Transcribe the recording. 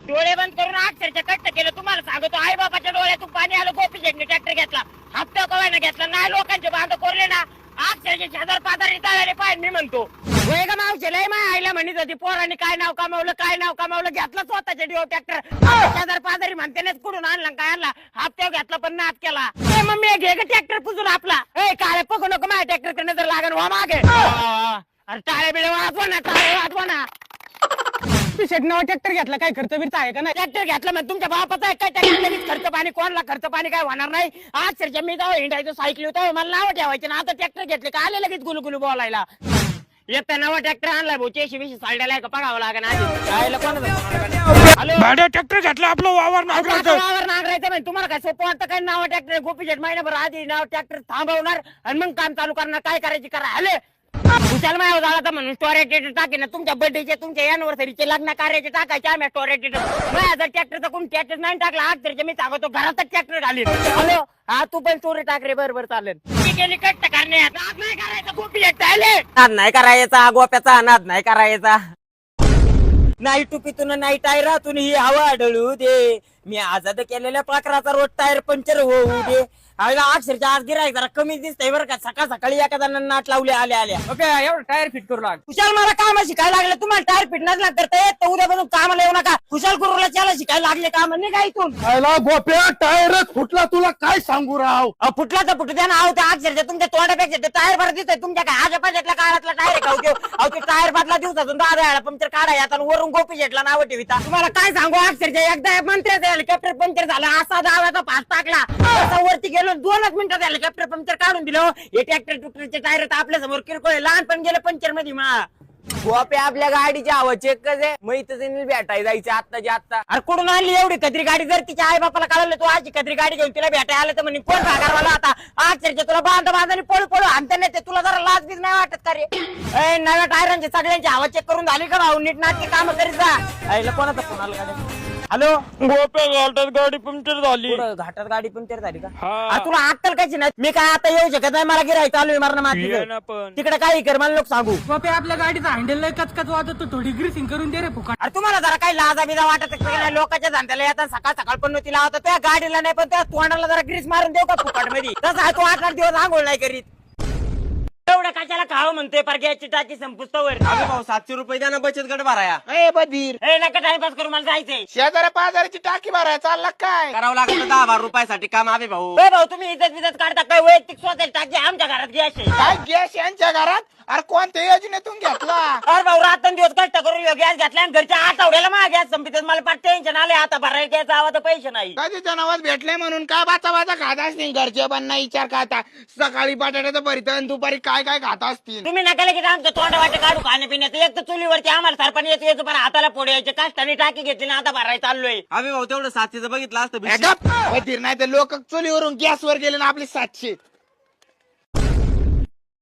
डोळे बंद करून अक्षरशः कष्ट केलं. तुम्हाला सांगतो आई बाबाच्या डोळ्यातून पाणी आलं. गोपी शेटने ट्रॅक्टर घेतला, हप्ता कवायला घेतला नाही. लोकांचे बांध कोरले ना अक्षरशः शेजार पाजारी तळाले पाहिजे. मी म्हणतो होय का मावशे लय माय आईला म्हणत होती पोरांनी काय नाव कमावलं घेतलं स्वतःच्या डिओ ट्रॅक्टर. शेजार पाजारी म्हणते ना कुठून आणला काय आणला हप्त्यावर घेतला पण नाच केला. मम्मी घे ग ट्रॅक्टर पुजून आपला. ए काळे पकू नको माझ्या ट्रॅक्टर कडे नजर लागेल वा मागे. अरे टाळे बिळे वाजवा ना. शेट नवा ट्रॅक्टर घेतला काय खर्च बिर्च आहे का नाही? ट्रॅक्टर घेतला म्हणजे तुमच्या बापाचा आहे काय ट्रॅक्टर? खर्च पाणी कोणला खर्च पाणी काय होणार नाही. अक्षरशः मी जाऊ हिंडायचं सायकल होतं मला नाव ठेवायचे ना. आता ट्रॅक्टर घेतले का आले लगेच गुलगुलू बोलायला. येता नवा ट्रॅक्टर आणलाय भाऊ. 80-20 सालड्याला का पगावं लागेल आधी. हॅलो भाड्या ट्रॅक्टर घेतला आपलं वावर नांगरायचं. वावर नांगरायचं म्हणजे तुम्हाला काय सोपं वाटतं काय? नाव ट्रॅक्टर गोपी शेट महिनाभर आधी नाव ट्रॅक्टर थांबवणार आणि मग काम चालू करणार. काय करायची करा. हॅलो कुशाल माया झाला तर म्हणून स्टोरेज टाके ना तुमच्या बर्थडेचे तुमच्या अॅनिव्हर्सरीचे लग्न कार्याचे टाकायचे आम्ही स्टोरेज. माझ्या जर ट्रॅक्टरचा कोण ट्रॅक्टर नाही टाकला अक्षरशः मी सांगतो घरातच ट्रॅक्टर घालीन. हॅलो हा तू पण स्टोरी टाक रे. बरोबर चालेल. मी गेली कष्ट करण्यात नाद नाही करायचा. गोपी शेट नाद नाही करायचा. गोप्याचा नाद नाही करायचा. नाही टुपीतून नाही टायरातून ही हवा आढळू दे. मी आजाद केलेल्या पाखराचा रोड टायर पंक्चर होऊ दे. अक्षरशः आज गिरायक जरा कमी दिसतंय बरं का. सकाळ सकाळी एखादा नाट लावले आल्या ओके एवढं टायर फिट करू लाग. कुशाल मला काम शिकायला लागले. तुम्हाला टायर फिट नसला तर उद्यापासून कामाला येऊ नका. कुशाल कुरुला त्याला शिकायला लागले काम नाही का इथून. गोप्या टायरच फुटला तुला काय सांगू राव. फुटला तर फुटू द्या ना. अहो त्या अक्षरशः तुमच्या तोंडापेक्षा ते टायर भरत दिसतंय. तुमच्या काय आजच्या पाहिजेतल्या काळातला टायर आहे का? अहो ते टायर बदला दिवसातून 10 वेळा पंक्चर काढाय आता वरून गोपी शेटला नाव ठेविता. तुम्हाला काय सांगू अक्षरशः एकदा मंत्र्याचं हेलिकॉप्टर पंक्चर झालं असा दाव्याचा पास टाकला. वरती गेलो 2 मिनिटात हेलिकॉप्टर पंक्चर काढून दिलं. हे ट्रॅक्टर टुक्टरचे टायर तर आपल्या समोर किरकोळ लहानपण गेलं पंक्चर मध्ये. गोपे आपल्या गाडीची हवा चेक कसे माहितच भेटायला जायचं आत्ताच्या आत्ता. अरे कुठून आणली एवढी कदरी गाडी? जर तिच्या आई बापाला कळलं तू अशी कदरी गाडी घेऊन तिला भेटायला आलं तर म्हणे कोण भागारवाला आता अक्षरशः तुला बांधा पळू आणता नाही ते. तुला जरा लाज बीज नाही वाटत का रे? नव्या टायरांची सगळ्यांची हवा चेक करून झाली का भाऊ? नीट नाटकी काम करीत जा. आईला कोणाचा फोन आला का? हॅलो गोप्या घाटात गाडी पंक्चर झाली. घाटात गाडी पंक्चर झाली का? हा. तुला अक्कल कशी नाही? मी काय आता येऊ शकत नाही. मला गिरायक चालू आहे मारणं माती. पण तिकडे काही कर मला लोक सांगू. गोप्या आपल्या गाडीचा हँडल लय कचकच वाजत थोडी ग्रीसिंग करून दे रे फुकट. अरे तुम्हाला जरा काही लाजा बिजा वाटत नाही? लोकांच्या धंद्याला येतात सकाळ पण नव्हती लावता. त्या गाडीला नाही पण त्या तोंडाला जरा ग्रीस मारून देऊ का फुकट मध्ये? तसा तू 8-8 दिवस आंघोळ नाही करीत. एवढं कशाला खावं म्हणतोय? परग्याची टाकी संपुस्तवर. अरे भाऊ 700 रुपये द्या ना बचत गट भराया. ए बधीर नका टाइमपास करू मला जायचंय. शेजाऱ्या पाजाऱ्याची टाकी भराय चालला काय? करावं लागतं 10,000 रुपयासाठी काम आवे भाऊ. भाऊ तुम्ही इज्जत बिजत काढता काय? वैयक्तिक स्वतःची टाकी आमच्या घरात गॅस काय गॅस यांच्या घरात? अरे कोणत्या योजनेतून घेतला? अरे भाऊ रात्रंदिवस कष्ट करून गॅस घेतला आणि घरच्या आठवड्याला माझा गॅस संपित. मला पाठ टेन्शन आले आता भरायला गॅस आवा तर पैसे नाही. कधीच्या नावात भेटले म्हणून काय बाचा खात असतील घरचे पण नाही विचार खाता. सकाळी बटाट्याचं भरीत आणि दुपारी काय काय खात असतील. तुम्ही नका की आमचं तोंड वाटे काढू खाण्यापिण्याचं. एक तर चुलीवरती आम्हाला सरपण येतो पण हाताला पोड यायचे. कष्टाने टाकी घेतली ना आता भरायला चाललोय. अरे भाऊ तेवढं 700 बघितलं असतं बधीर नाही तर लोक चुलीवरून गॅसवर गेले ना आपले 700.